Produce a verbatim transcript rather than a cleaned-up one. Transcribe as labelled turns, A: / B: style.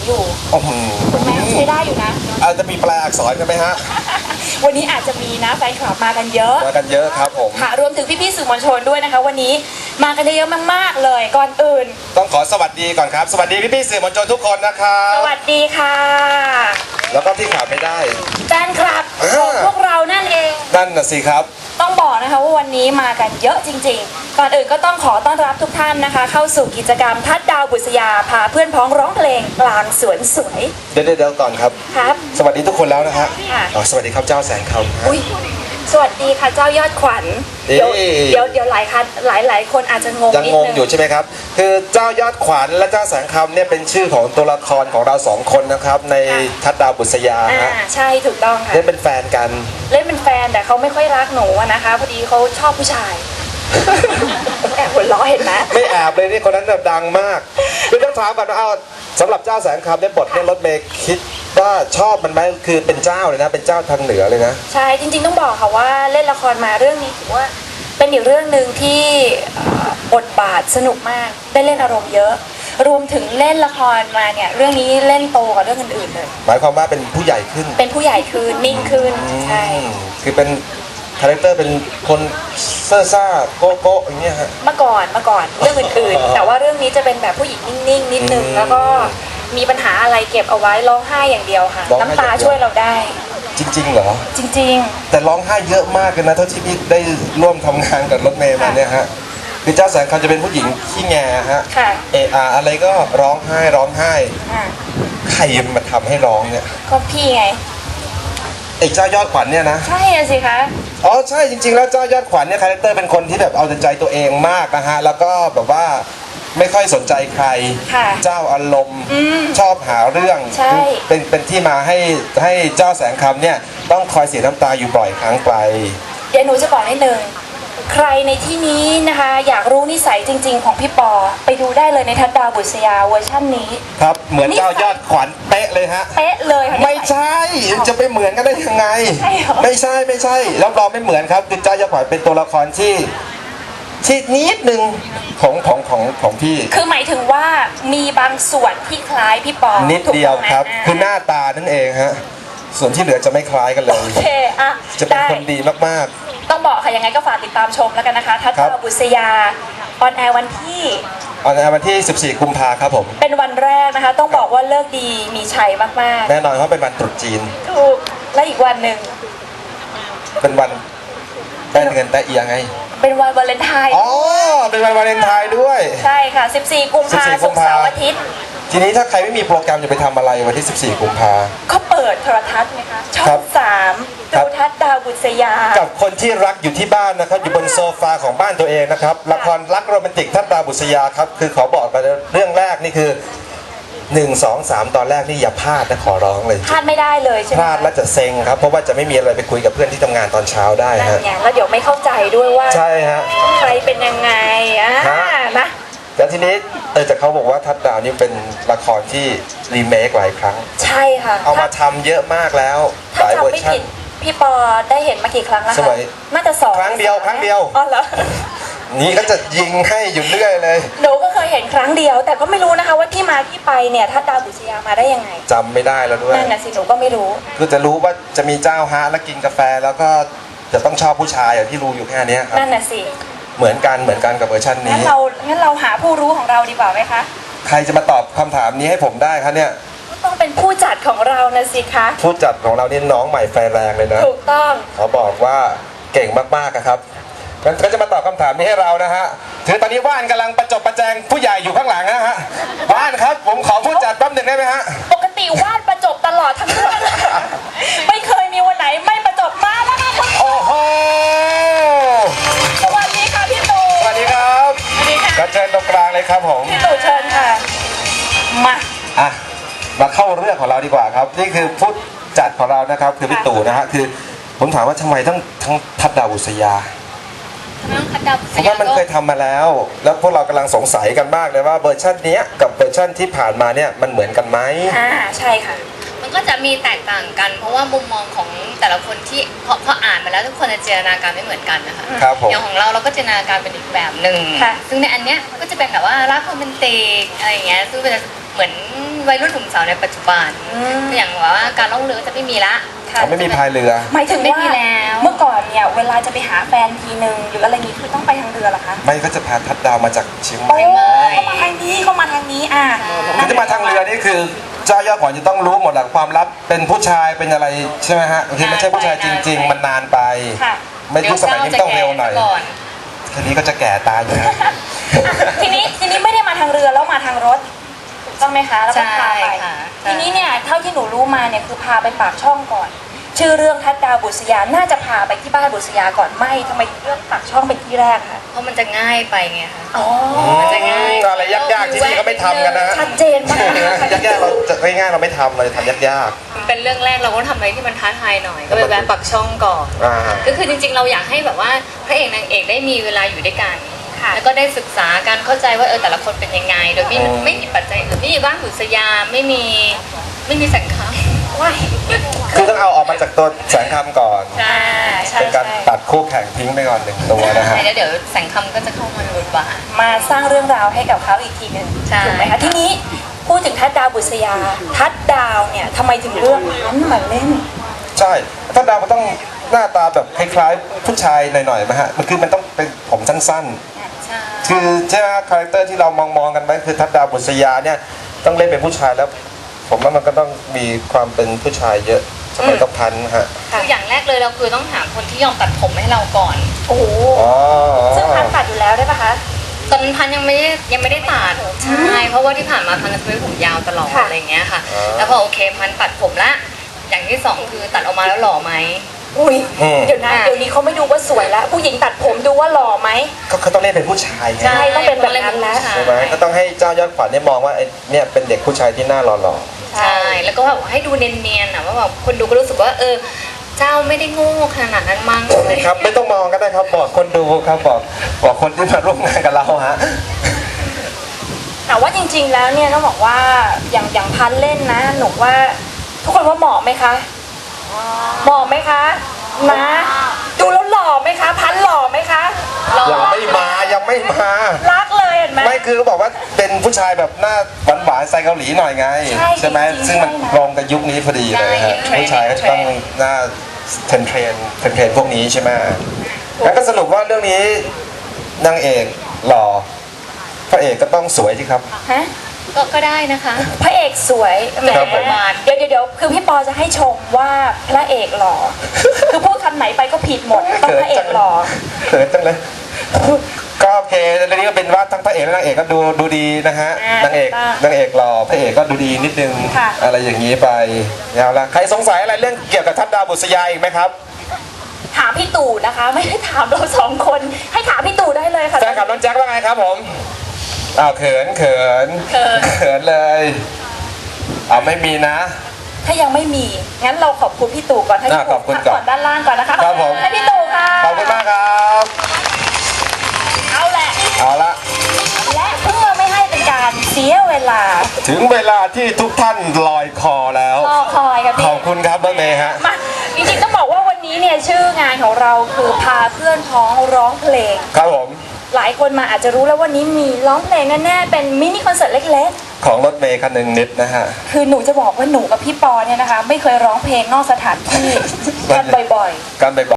A: อยู่
B: โอ้โห
A: แม่ใช้ได้อยู่นะ
B: อาจจะมีแปลอักษรกันไหมฮะ
A: วันนี้อาจจะมีนะแฟนคลับมากันเยอะ
B: มากันเยอะครับผม
A: ค่ะรวมถึงพี่ๆสื่อมวลชนด้วยนะคะ วันนี้มากันเยอะมากๆเลยก่อนอื่น
B: ต้องขอสวัสดีก่อนครับ สวัสดีพี่ๆสื่อมวลชนทุกคนนะครับ
A: สวัสดีค่ะ
B: แล้วก็ที่ขาดไม่ได้
A: แฟนคลับของพวกเรานั่นเอง
B: นั่นน่ะสิครับ
A: ต้องบอกนะคะว่าวันนี้มากันเยอะจริงๆ ก่อนอื่นก็ต้องขอต้อนรับทุกท่านนะคะ เข้าสู่กิจกรรมทัดดาวบุษยาพาเพื่อนพ้องร้องเพลงกลางสวนสวย
B: เดี๋ยวเดี๋ยวก่อนครับ
A: ครับ
B: สวัสดีทุกคนแล้วนะฮะ
A: ค่ะ
B: อ๋อสวัสดีครับเจ้าแสงคำฮะ
A: อุ้ยสวัสดีค่ะเจ้ายอดขวัญ
B: เอ๊ะ
A: เดี๋ยวเดี๋ยวเดี๋ยวหลายคันหลายหลายคนอาจจะงง
B: ยัง
A: นิด
B: งง
A: นึง
B: อยู่ใช่ไหมครับ คือเจ้ายอดขวัญและเจ้าแสงคำเนี่ยเป็นชื่อของตัวละครของเราสองคนนะครับในทัดดาวบุษยา
A: อ่า
B: ฮะ
A: ใช่ถูกต้องค่ะ
B: เล่นเป็นแฟนกัน
A: เล่นเป็นแฟนแต่เขาไม่ค่อยรักหนูอะนะคะพอดีเขาชอบผู้ชาย แอบหัวเราะเห็นไหม
B: ไม่แอบเลยนี่คนนั้นแบบดังมากคือต้องถามก่อนว่าเอาสำหรับเจ้าแสงคำเนี่ยบทเนี่ยรถเมย์คิดว่าชอบมันไหมคือเป็นเจ้าเลยนะเป็นเจ้าทางเหนือเลยนะ
A: ใช่จริงๆต้องบอกค่ะว่าเล่นละครมาเรื่องนี้ถือว่าเป็นอีกเรื่องหนึ่งที่เอ่อบทบาทสนุกมากได้เล่นอารมณ์เยอะ รวมถึงเล่นละครมาเนี่ยเรื่องนี้เล่นโตกว่าเรื่องอื่นๆเลย
B: หมายความว่าเป็นผู้ใหญ่ขึ้น
A: เป็นผู้ใหญ่ขึ้นนิ่งขึ้นใช่
B: อืมคือเป็นคาแรคเตอร์เป็นคนเซ่อซ่าโก้โก้อย่างเงี้ยฮะ
A: เมื่อก่อนเมื่อก่อนเรื่องอื่น
B: อ๋อ
A: ๆ แต่ว่าเรื่องนี้จะเป็นแบบผู้หญิงนิ่งๆนิดนึง
B: อืม
A: แล้วก็มีปัญหาอะไรเก็บเอาไว้ร้องไห้อย่างเดียวค่ะ
B: ร้องไห้
A: น้ำตา
B: อย่างเดียว
A: ช่วยเราได้
B: จริง ๆ เหรอ
A: จริง
B: แต่ร้องไห้เยอะมากเลยนะเท่าที่พี่ได้ร่วมทำงานกับรถเมย์มาเนี่ยฮะคือเจ้าแสงคำจะเป็นผู้หญิงขี้แงฮะ
A: ค่ะ
B: เอออะไรก็ร้องไห้ร้องไห้
A: ๆอ่ะ
B: ใครมาทำให้ร้องเนี่ย
A: ก็พี่ไง
B: ไอ้เจ้ายอดขวัญเนี่ยนะ
A: ใช่อะสิคะ
B: อ๋อใช่จริงๆแล้วเจ้ายอดขวัญเนี่ยคาแรคเตอร์เป็นคนที่แบบเอาแต่ใจตัวเองมากนะฮะแล้วก็แบบว่าไม่ค่อยสนใจใคร
A: ค่ะ
B: เจ้าอารมณ์
A: อืม
B: ชอบหาเรื่อง
A: ใช่
B: เป็นเป็นที่มาให้ให้เจ้าแสงคำเนี่ยต้องคอยเสียน้ำตาอยู่บ่อยครั้งไป
A: เดี๋ยวหนูจะบอกนิดนึงใครในที่นี้นะคะ อยากรู้นิสัยจริง ๆ ของพี่ปอ ไปดูได้เลยในทัดดาวบุษยาเวอร์ชั่นนี้
B: ครับเหมือนเจ้ายอดขวัญเป๊ะเลยฮะ
A: เป๊ะเลยค่ะ
B: ไม่ใช่จะไปเหมือนกันได้ยังไง
A: ใช่เหรอ
B: ไม่ใช่ไม่ใช่รับรองไม่เหมือนครับคือเจ้ายอดขวัญเป็นตัวละครที่ที่นิดนึงของของของของพี่
A: คือหมายถึงว่ามีบางส่วนที่คล้ายพี่ปอ
B: นิดเดียว
A: ถูกต้องไหม
B: ครับ
A: อ่า
B: คือหน้าตานั่นเองฮะส่วนที่เหลือจะไม่คล้ายกันเลย
A: โอเคอ่ะ
B: จะเป็น
A: ได้
B: คนดีมาก
A: ต้องบอกค่ะยังไงก็ฝากติดตามชมแล้วกันนะคะทัด
B: ครั
A: ดาว
B: บ
A: บุษยาออนแอร์วันที่
B: ๆออนแอร์วันที่ สิบสี่ กุมภาครับผม
A: เป็นวันแรกนะคะ ต้องบอกว่าเลิกดีมีชัยมาก
B: แน่นอนเพราะเป็นวันตรุษจีน
A: ๆถูกและอีกวันหนึ่ง
B: เป็นวันได้เงินแต่เอียไง
A: เป็นวันวาเลนไทน์
B: อ๋อเป็นวันวาเลนไทน์ด้วย
A: ใช่ค่ะ สิบสี่ กุมภา
B: สิบสี่
A: ศุกร์เสาร์อาทิตย์
B: ทีนี้ถ้าใครไม่มีโปรแกรมจะไปทำอะไรวันที่ สิบสี่ กุมภา
A: ก็เปิดโทรทัศน์ไงคะช่อ
B: ครั
A: ง
B: บ
A: สาม
B: ครั
A: ดู
B: บ
A: ทัศน์ดาวบุษยา
B: กับคนที่รักอยู่ที่บ้านนะครับอยู่บนโซฟาของบ้านตัวเองนะครับละครรักโรแมนติกทัดดาวบุษยาครับคือขอบอกกันเรื่องแรกนี่คือหนึ่ง สอง สาม ตอนแรกนี่อย่าพลาดนะขอร้องเลย
A: พลาดไม่ได้เลยใช่ไห
B: พ
A: ม
B: ลาดแล้วจะเซ็งครับเพราะว่าจะไม่มีอะไรไปคุยกับเพื่อนที่ทำงานตอนเช้าได้
A: นั่น
B: ฮะ
A: ไงแล้วเดี๋ยวไม่เข้าใจด้วยว่า
B: ใช่ฮะ
A: ใครเป็นยังไงอ่า
B: ฮะ
A: นะ
B: แล้วทีนี้เออแต่เขาบอกว่าทัดดาวนี่เป็นละครที่รีเมคหลายครั้ง
A: ใช่ค่ะ
B: เอามาทำเยอะมากแล้วห
A: ถ้า
B: ลาย
A: จำ
B: เวอร์
A: ไม่
B: ชัน
A: ผิดพี่ปอได้เห็นมากี่ครั้งแล้ว
B: ส
A: คะ
B: มัย
A: น่าจะสอง
B: ครั้งเดียวครั้งเดียว
A: อ๋อเหรอ
B: นี่ก็จะยิงให้อยู่เรื่อยเลย
A: หนูก็เคยเห็นครั้งเดียว แต่ก็ไม่รู้นะคะว่าที่มาที่ไปเนี่ยทัดดาวบุษยามาได้ยังไง
B: จำไม่ได้แล้วด้วย
A: นั่นน่ะสิหนูก็ไม่รู้
B: คือจะรู้ว่าจะมีเจ้าฮะแล้วกินกาแฟแล้วก็จะต้องชอบผู้ชายอย่างที่รู้อยู่แค่เนี้ยครับ
A: นั่นน่ะสิ
B: เหมือนกันเหมือนกันกับเวอร์ชัน
A: งั้
B: นี้
A: นเรางั้นเราหาผู้รู้ของเราดีกว่าไหมคะ
B: ใครจะมาตอบคำถามนี้ให้ผมได้ครับเนี่ย
A: ก็ต้องเป็นผู้จัดของเรานะสิคะ
B: ผู้จัดของเรานี่น้องใหม่ไฟแรงเลยนะ
A: ถูกต้อง
B: เขาบอกว่าเก่งมากๆอะครับงั้นก็จะมาตอบคำถามนี้ให้เรานะฮะถือตอนนี้ว่านกำลังประจบประแจงผู้ใหญ่อยู่ข้างหลังนะฮะว่านครับผมขอผู้จัดแป๊บหนึ่งได้ไหมฮะ
A: ปกติวาดประจบตลอดทั้งเรื่อง ไม่เคยมีวันไหนไม่ประจบมาแล้วค่ะคุณ
B: โอ้โห
A: สวัสดีค่ะพี่ตู่
B: สวัสดีครับ
A: สวัสดีค่ะ
B: กระเชิญตรงกลางเลยครับผม
A: พี่ตู่เชิญค่ะ มา
B: อ่ะมาเข้าเรื่องของเราดีกว่าครับ นี่คือผู้จัดของเรานะครับ คือพี่ตู่นะฮะคือผมถามว่าทำไมต้องทั้งทัดดาวบุษยา
C: น้องคัดดาว
B: เพราะว่ามันเคยทำมาแล้ว แล้วพวกเรากำลังสงสัยกันมากเลยว่าเวอร์ชันเนี้ยกับเวอร์ชันที่ผ่านมาเนี่ยมันเหมือนกันไหม
A: อ่า ใช่ค่ะ
C: มันก็จะมีแตกต่างกัน เพราะว่ามุมมองของแต่ละคนที่พอพออ่านมาแล้วทุกคนจะจินตนาการไม่เหมือนกันนะคะ
B: ครับผม
C: อย่างของเราเราก็จินตนาการเป็นอีกแบบหนึ่ง
A: ค่ะ
C: ซึ่งในอันเนี้ยก็จะเป็นแบบว่ารักโรแมนติกอะไรอย่างเงี้ยซึ่งเป็นเหมือนวัยรุ่นหนุ่มสาวในปัจจุบัน
A: อืม
C: อย่างว่าการล่องเรือจะไม่มีละ
A: ค่ะ
B: เขาไม่มีพายเรือ
A: หมายถึง
C: ไม่
A: ว่า
C: มีแล้ว
A: เมื่อก่อนเนี่ยเวลาจะไปหาแฟนทีนึงหรืออะไรนี้คือต้องไปทางเรือเหรอคะ
B: ไม่ก็จะพาทัดดาวมาจากเชียงให
A: โอ้
B: ม่
A: เขามาทางนี้เขามาทางนี้อ่ะ
B: คือจะมาทางเรือนี่คือเจ้ายอดขวัญจะต้องรู้หมดแหละความลับเป็นผู้ชายเป็นอะไรใช่ไหมฮะคือไม่ใช่ผู้ชายจริง ๆ มันนานไป
A: ค่ะ
B: ไม่ยุคสมัยนี้ต้องเร็วหน่อย
C: ดี๋วเจ้าจะแก่ซะก่อน
B: ทีนี้ก็จะแก่ตายอยู่แล้ว
A: ทีนี้ทีนี้ไม่ได้มาทางเรือแล้วมาทางรถถูกต้องไหมคะแล้วก็พาไป
C: ใช่ค่ะใช่
A: ทีนี้เนี่ยเท่าที่หนูรู้มาเนี่ยคือพาไปปากช่องก่อน ชื่อเรื่องทัดดาวบุษยาน่าจะพาไปที่บ้านบุษยาก่อนไม่ทำไมถึงเลือกปากช่องเป็นที่แรกคะ
C: เพราะมันจะง่ายไปไงคะ
A: อ๋อ
C: มันจะง่าย
B: อะไรยากๆที่นี่ก็ไม่ทำกันนะฮะ
A: ชัดเจนมากค่ะ
B: ยากๆเราจะง่ายๆเราไม่ทำเราจะทำยาก
C: มันเป็นเรื่องแรกเราก็ทำอะไรที่มันท้าทายหน่อย ก็ไปแวะปักช่องก่อน
B: ๆอ่า
C: ก็คือจริงๆเราอยากให้แบบว่าพระเอกนางเอกได้มีเวลาอยู่ด้วยกัน
A: ค่ะ
C: แล้วก็ได้ศึกษาการเข้าใจว่าเออแต่ละคนเป็นยังไง โดยไม่
B: อืม
C: ไม่มีปัจจัยอื่นไม่มีบ้านบุษยาไม่มีไม่มีแสงคำ
A: ว้าย
B: คือต้องเอาออกมาจากตัวแสงคำก่อน
C: ใช่
A: ใช่
B: เป็นการตัดคู่แข่งทิ้งไปก่อนหนึ่งตัวนะฮะ
C: แล้วเดี๋ยวแสงคำก็จะเข้ามาในบทบาท
A: มาสร้างเรื่องราวให้กับเขาอีกทีหนึง
C: ใช่
A: ถูกไหมคะทีนี้พูดถึงทัดดาวบุษยา ทัดดาวเนี่ยทำไมถึงเลือกพันธุ์มาเล่น
B: ใช่ถ้าดาวมันต้องหน้าตาแบบคล้ายๆผู้ชายหน่อยๆไหมฮะมันคือมันต้องเป็นผมสั้นๆ
C: ใช่
B: คือใช่ไหมคาแรคเตอร์ที่เรามองมองๆกันไว้คือทัดดาวบุษยาเนี่ยต้องเล่นเป็นผู้ชายแล้ว ผมว่ามันก็ต้องมีความเป็นผู้ชายเยอะสมัยต้องพันฮะ
C: คืออย่างแรกเลยเราคือต้องหาคนที่ยอมตัดผมให้เราก่อน
A: โอ้โห
B: อ๋อ
A: ซึ่งพันธุ์ตัดอยู่แล้วได้ปะคะ
C: ตอนนั้นพันยังไม่ได้ยังไม่ได้ตัดใช่เพราะว่าที่ผ่านมาพันจะเป็นผมยาวตลอด
A: ค่ะ
C: อะไรอย่างเงี้ยค่ะ แล้วพอโอเคพันตัดผมละอย่างที่สองคือตัดออกมาแล้วหล่อไหม
A: อุ้ย
B: อืม
A: เดี๋ยวนะ
C: อ่ะ
A: เดี๋ยวนี้เขาไม่ดูว่าสวยแล้ว ผู้หญิงตัดผมดูว่าหล่อไหม
B: ก็เขาต้องเล่นเป็นผู้ชายไง
A: ใช่ ต้องเป็นแบบนั้นนะ
B: ใช่ไหมก็ต้องให้เจ้ายอดขวัญเนี่ยมองว่าไอ้เนี่ยเป็นเด็กผู้ชายที่หน้าหล่อ
C: ใช่แล้วก็แบบให้ดูเนียนๆนะว่าแบบคนดูก็รู้สึกว่าเออเจ้าไม่ได้โง่ขนาดนั้นมั้งอะไร
B: ๆครับไม่ต้องมองก็ได้ครับบอกคนดูครับบอกบอกคนที่มาร่วมงานกับเราฮะ
A: แต่ว่าจริงๆแล้วเนี่ยต้องบอกว่าอย่างอย่างพันธุ์เล่นนะหนูว่าทุกคนว่าเหมาะไหมคะเหมาะไหมคะนะดูแล้วหล่อไหมคะ พันธุ์หล่อไหมคะ
C: หล่อ
B: ยังไม่มายังไม่มา
A: รักเลยเห็นไหม
B: ไม่คือเขาบอกว่าเป็นผู้ชายแบบหน้าหวานๆสไตล์เกาหลีหน่อยไง
A: ใช่
B: ไหม
A: จริงๆ
B: ซึ่งมัน
A: ใช่นะ
B: ตรงกับยุคนี้พอดีเลยฮะ
C: ใช่
B: ผู้ชายก็จะต้องหน้าเทรนเทรนเทรนเทรนพวกนี้ใช่ไหมแล้วก็สรุปว่าเรื่องนี้นางเอกหล่อพระเอกก็ต้องสวยสิครับ
A: ฮะ
C: ก็ก็ได้นะคะ
A: พระเอกสวยแหม
B: ครับผม
A: เดี๋ยวเดี๋ยวเดี๋ยวคือพี่ปอจะให้ชมว่าพระเอกหล่อ คือพูดคำไหนไปก็ผิดหมดต้องพระเอกหล่อ
B: เขินจังเลยก็โอเคเรื่องนี้ก็เป็นว่าทั้งพระเอกและนางเอกก็ดูดูดีนะฮะ
A: อ่าน
B: างเอก
A: ถูกต้อง
B: นางเอกหล่อพระเอกก็ดูดีนิดนึง
A: ค่ะ
B: อะไรอย่างนี้ไปเอาละใครสงสัยอะไรเรื่องเกี่ยวกับทัดดาวบุษยาอีกไหมครับ
A: ถามพี่ตู่นะคะ ไม่ได้ถามเราสองคน ให้ถามพี่ตู่ได้เลยค่ะ
B: แฟนคลับน้องแจ็คว่าไงครับผมอ้าวเขินเขิน
C: เขิน
B: เขินเลยอ้าวไม่มีนะ
A: ถ้ายังไม่มี งั้นเราขอบคุณพี่ตู่ก่อนให้พี่
B: อ่ะข
A: ตู่
B: อบคุณ
A: พัก
B: ก่อน
A: ก่อนด้านล่างก่อนนะคะ
B: ครับผม
A: ให้พี่ตู่ค่ะ
B: ขอบคุณมากครับ
A: เอาแหละ
B: เอาละ
A: และเพื่อไม่ให้เป็นการเสียเวลา
B: ถึงเวลาที่ทุกท่านลอยคอแล้ว
A: รอคอยค่ะ
B: ข
A: พี่
B: อบคุณครับน้องเมย์ฮะ
A: มาจริงๆต้องบอกว่าวันนี้เนี่ยชื่องานของเราคือพาเพื่อนพ้องร้องเพลง
B: ครับผม
A: หลายคนมาอาจจะรู้แล้ววันนี้มีร้องเพลงแน่ๆเป็นมินิคอนเสิร์ตเล็ก
B: ของรถเมย์คันหนึ่งนิดนะฮะ
A: ๆ คือหนูจะบอกว่าหนูกับพี่ปอเนี่ยนะคะ ไม่เคยร้องเพลงนอกสถานที่กันบ่อยๆ
B: การไป